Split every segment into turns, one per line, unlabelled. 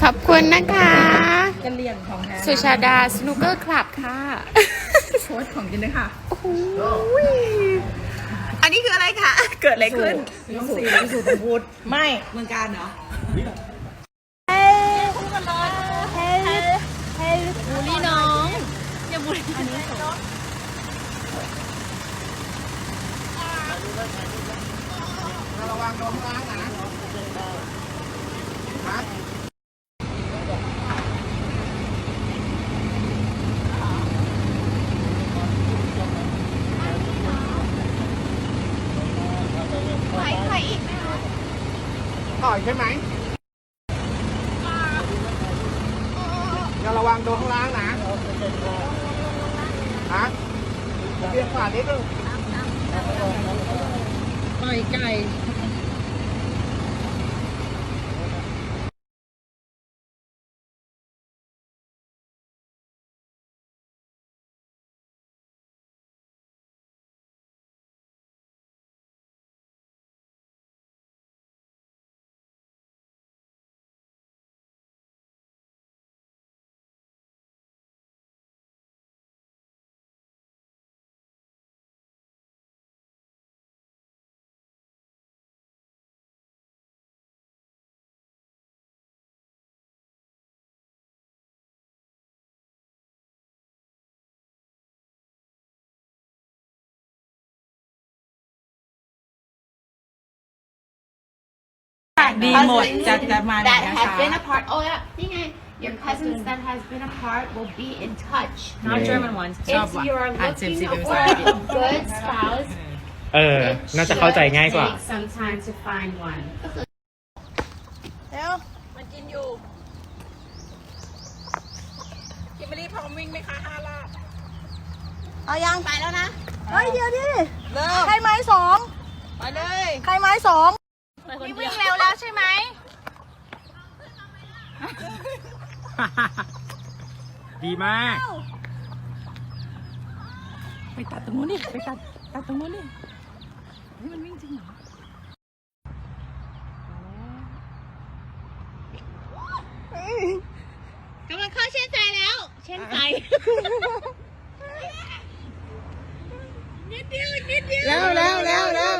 อบคุณนะคะ
กะเหรี่ยงของแท้
สุชาดาสนุกเกอร์คลับค่ะ
โค้ชของกินเลยค่ะ
โอ้โหอันนี้คืออะไรคะ เกิดอะไรขึ้น
พิสูจน์พูดไม่เมืองการเหรอบูลลี่น้องอย่าบูลลี่อันนี้ระวังโดนล้างนะต่อยใช่ไหมอย่าระวังโดนข้างล่างนะฮะเบียงขวานิดนึงต่อยไก่ดีหมดจะมา
that has been apart. Oh yeah, นี่ไง your cousins that has been apart will be in touch.
not German ones
If you are looking for a good spouse,
น่าจะเข้าใจง่ายกว่า
take some time to find one.
เร็วมันกินอยู่กินไม่รีบพร้อมวิ่งไหมคะ5 รอบเอายังไปแล้วนะเฮ้ยเดี๋ยวดิเริ่มใครไม้2ไปเลยใครไม้2วิ่งเร็วแล้วใช่ไหม
ดีมาก
ไปตัดตรงนู้นดิไปตัดตรงนู้นดินี่มันวิ่งจริงเหรอ
กำลังเข้าเช่นใจแล้ว เช่นใจ นิดเดียว
แล้วใกล้แล้ว
กำลัง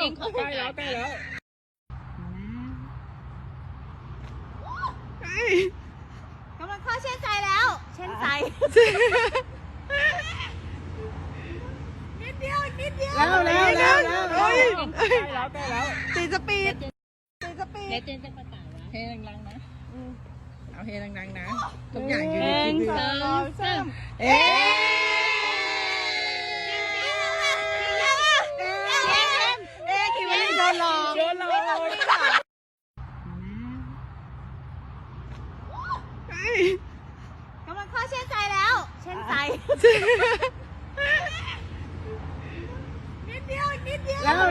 เข้าเช่นใจแล้ว เช่นใจ นิดเดียว
แล้วใกล้แล้วตีสปีดเฮดังๆนะเอาเฮดังๆนะทุกอย่างอยู่ในคลิปเอ๊คิดว่าโดนหลอก
กำลังเข้าเช่นใจแล้ว เช่นใจ นิดเดียว
แล้ว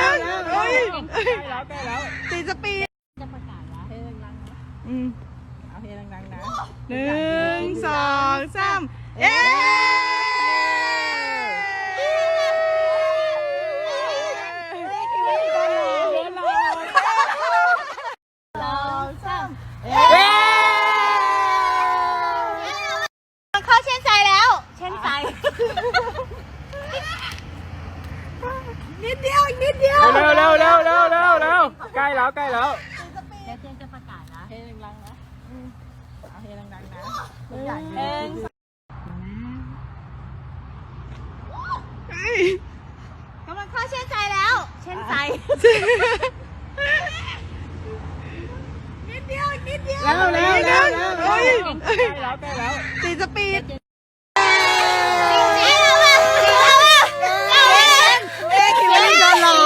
ตีสปีดจะประกาศแล้วเฮดังๆนะเอาเฮดังๆนะ1 2 3เอ๊
เข้าเช่นใจแล้ว เช่นใจ นิดเดียว
เร็วใกล้แล้ว
แล้วเจนจะประกาศนะเฮดังๆนะเอาเฮดังๆนะทุกอย่างอยู่ในคลิป
กำลังเข้าเช่นใจแล้ว เช่นใจ นิดเดียว
แล้วตีสปีดคิดว่าโดนหลอก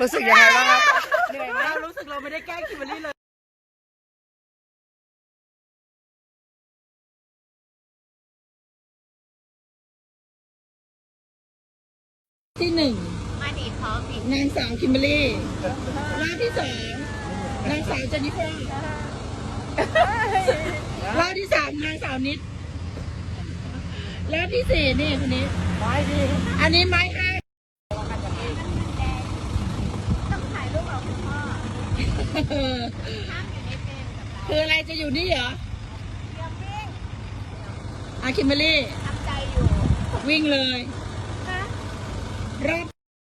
รู้สึกยังไงบ้างครับ
เหนื่อยไหมรู้สึกเราไม่ได้แกล้งคิมเบอรรี่เลย ที่หนึ่ง
มาดีพร้อมอีก
นางสาวคิมเบอรรี่รอบที่สองนางสาวเจนนิเฟอร์รอบที่สามนางสาวนิดรอบที่สี่นี่คนนี้อันนี้ไม้ห้าคืออะไรจะอยู่นี่เหรอคิมเบอรรี่ทำใจอยู่วิ่งเลยรอบ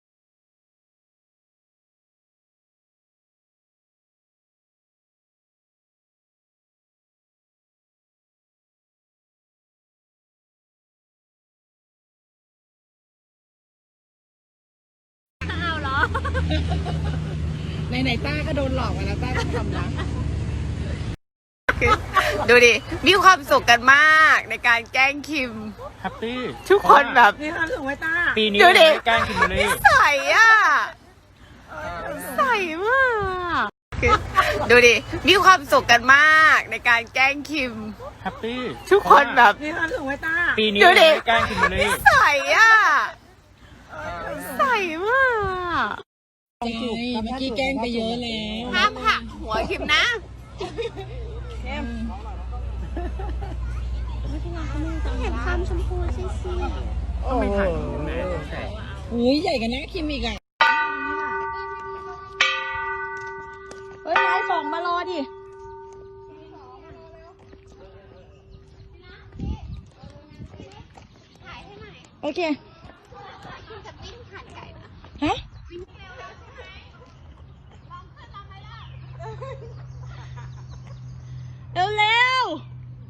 ไหนๆต้าก็โดนหลอกมาแล้วต้าก็ทำนะ
ดูดิ มีความสุขกันมากในการแกล้งคิม
แฮปปี้
ทุกคนแบบ
นี่ความสุขไว้ต้า
ปีนี้
ดูดิ
ไม่ได้แกล้งคิมเบอร
นิ
รี่
สัยอ่ะนิสัยมาก ดูดิ มีความสุขกันมากในการแกล้งคิม
แฮปปี้
ทุกคนแบบ
นี่ความสุขไว้ต้า
ปีนี้
ดู
ไม่
ดิ
ได้แกล้งคิมเบอร
นิ
รี่
สัยอ่ะนิสัยมาก
เมื่อกี้แกล้งไปเยอะแล้ว
ห้ามหักหัวคิมนะ
เห็นความชมพูซิ
ไม่ถ่ายแม่
อุ้ยใหญ่กันนะคิมอีกอ่ะเฮ้ยนายสองมารอดิโอเคฮะเร็วๆ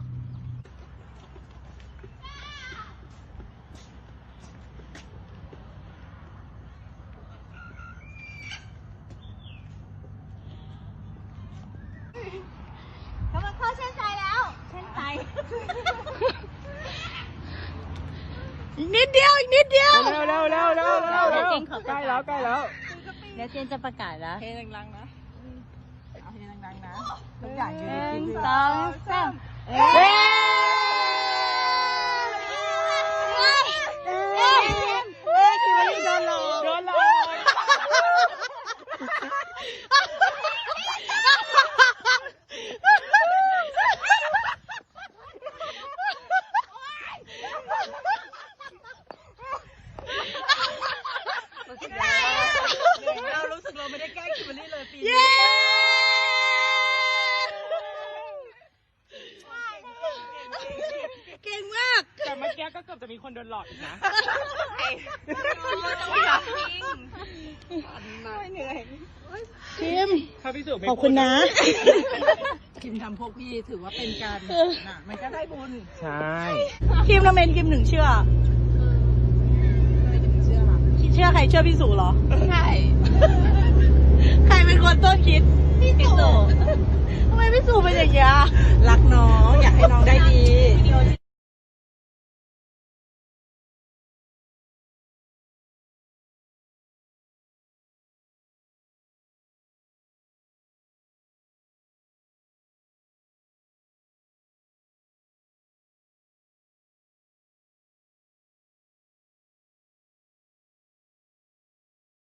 เขามาเข้าเส้นใจแล้วเส้นใจอีกนิดเดียวอีกนิดเดียว
เร็วเร็วเร็วเร็วเร็วเร็วใกล้แล้วใกล้แล้ว
เดี๋ยวเจนจะประกาศแล้วเฮดังๆนะเอาเฮดังๆนะทุกอย่างอยู่ในคลิป1 2 3เฮ้ยโดนหลอกโดนหลอกเรารู้สึกเราไม่ได้แกล้งคิมเบอรรี่เลยปีนี้เก่งมาก
แต่เมื่อกี้ก็เกือบจะมีคนโดนหลอกอีกนะ
คิม
ถ้าพี่สุไม่
ขอบคุณนะ
พูด
คิมทำพวกพี่ถือว่าเป็นการนะมันก็ได้บุญ
ใช่
คิมทำไมคิมถึงเชื่อเชื่อใครเชื่อพี่สุเหรอ
ใช่
ใครเป็นคนต้นคิดพี่สุทำไมพี่สุเป็นอย่างเงี้ยรักน้องอยากให้น้องได้ดี